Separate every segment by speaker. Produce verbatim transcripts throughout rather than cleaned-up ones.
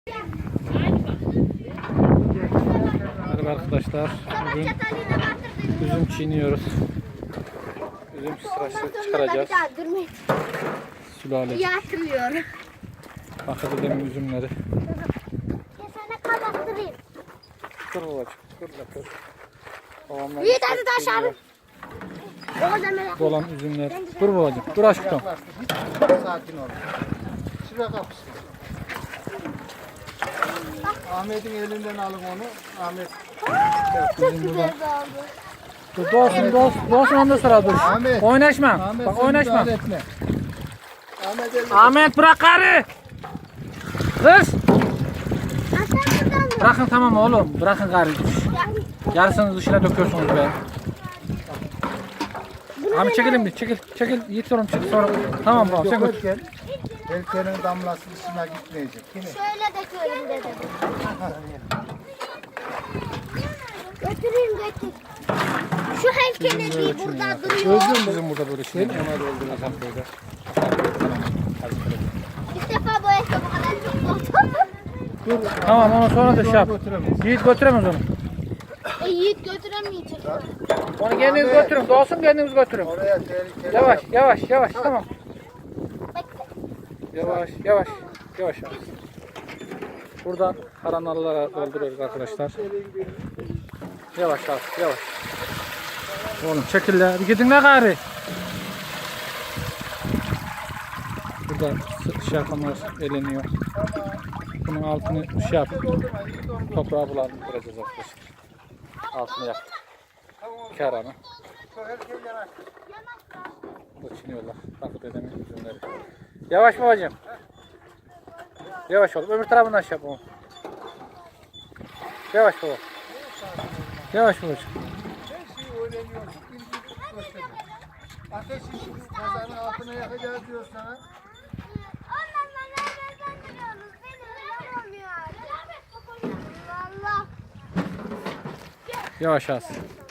Speaker 1: Merhaba arkadaşlar. Bugün üzüm çiğniyoruz. Üzüm sırası çıkaracağız. Sülale.
Speaker 2: Yatırıyorum.
Speaker 1: Bakın dedemin üzümleri.
Speaker 2: Kesene kapattırayım.
Speaker 1: Dur babacığım. Dur dur. Babamlar
Speaker 2: İyi hadi taş abi.
Speaker 1: dolan üzümler. Dur babacığım. Dur aşkım.
Speaker 3: Sakin ol. Şuraya kapısın. Ahmet'in elinden alın onu. Ahmet.
Speaker 2: Çok güzel oldu.
Speaker 1: Dur doğsun doğsun. Doğsun ondan sonra dur.
Speaker 3: Ahmet.
Speaker 1: Oynaşma.
Speaker 3: Ahmet
Speaker 1: Bak
Speaker 3: sen
Speaker 1: oynaşma.
Speaker 3: müdahale etme. Ahmet elini.
Speaker 1: Ahmet bırak karı. Kız.
Speaker 2: Aslan buradan mı?
Speaker 1: Bırakın tamam oğlum. Bırakın karı. Yarısını dışına döküyorsunuz be. Ahmet çekilin bir. Çekil. Çekil. Yiğit sorun çekil sonra. Tamam baba sen götür.
Speaker 3: Dökerken Elkenin damlası dışına gitmeyecek. Yine.
Speaker 2: Şöyle döküyorum dedim. Götüreyim götür. Şu helkene bir burada duruyor.
Speaker 1: Bizim burada böyle şey. Ona dolduracağım böyle.
Speaker 2: İlk defa bu ayakkabı kadar çok oldu.
Speaker 1: Dur. Tamam ama sonra da şey yap. Yiğit götüremez onu.
Speaker 2: E, Yiğit götüremeyecek.
Speaker 1: Onu kendiniz götürün. Doğsun kendiniz götürün.
Speaker 3: Oraya tehlikeli.
Speaker 1: Yavaş yavaş yavaş tamam.
Speaker 2: Bekle.
Speaker 1: Yavaş yavaş yavaş. yavaş. Buradan karanarlara dolduruyoruz arkadaşlar. Yavaş yavaş yavaş. Oğlum çekil la. Bir gidin la gari. Burada şey yapanlar eleniyor. Bunun altını şey yap. Toprağa bulandıracağız arkadaşlar. Altını yak. İki aranı. Burada çiniyorlar. Bak dedemin üzümleri. Yavaş babacığım. Yavaş ol. Öbür tarafından şey yap onu. Yavaş baba. Yavaş babacığım.
Speaker 3: Her şeyi öğreniyorsun. Ateşi kazanın altına yakacağız diyor sana.
Speaker 2: Ondan nereden giriyorsunuz? Benim olmuyor. Allah.
Speaker 1: Yavaş az.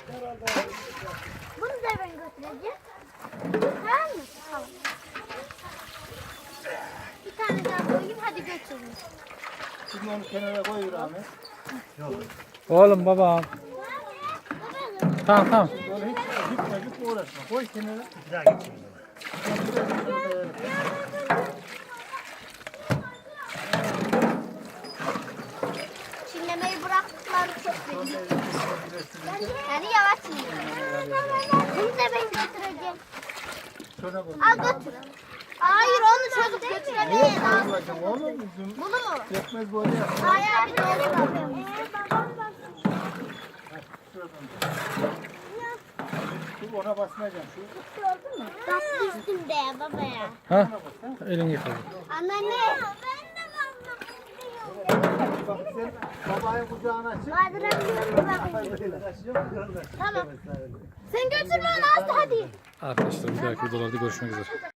Speaker 2: Bunu da ben götüreceğim. Tamam mı? Tamam. Bir tane daha koyayım hadi götürün.
Speaker 3: Şimdi onu kenara koy Ahmet.
Speaker 1: Oğlum babam. Tamam tamam.
Speaker 3: Böyle hiç gitme gitme uğraşma. Koy kenara.
Speaker 2: Çinlemeyi bıraktıkları çok belli. Yani yavaş yiyin. Bunu da ben götüreceğim.
Speaker 3: Şuna koy.
Speaker 2: Al götür. Hayır onu çocuk götüremeyiz.
Speaker 3: Bırakın oğlum üzüm.
Speaker 2: Bunu mu?
Speaker 3: Yetmez böyle yap.
Speaker 2: Hayır abi doğru bakıyorum.
Speaker 3: Şu ona basmayacağım. Şu.
Speaker 2: Tatlı üstünde ya baba ya.
Speaker 1: Ha? Elini yıkadın.
Speaker 2: Anneanne.
Speaker 3: Bak sen babayı kucağına çık.
Speaker 2: Kaldırabiliyorum bak. Tamam. Sen götürme onu Aslı hadi.
Speaker 1: Arkadaşlar bir dahaki videolarda görüşmek üzere.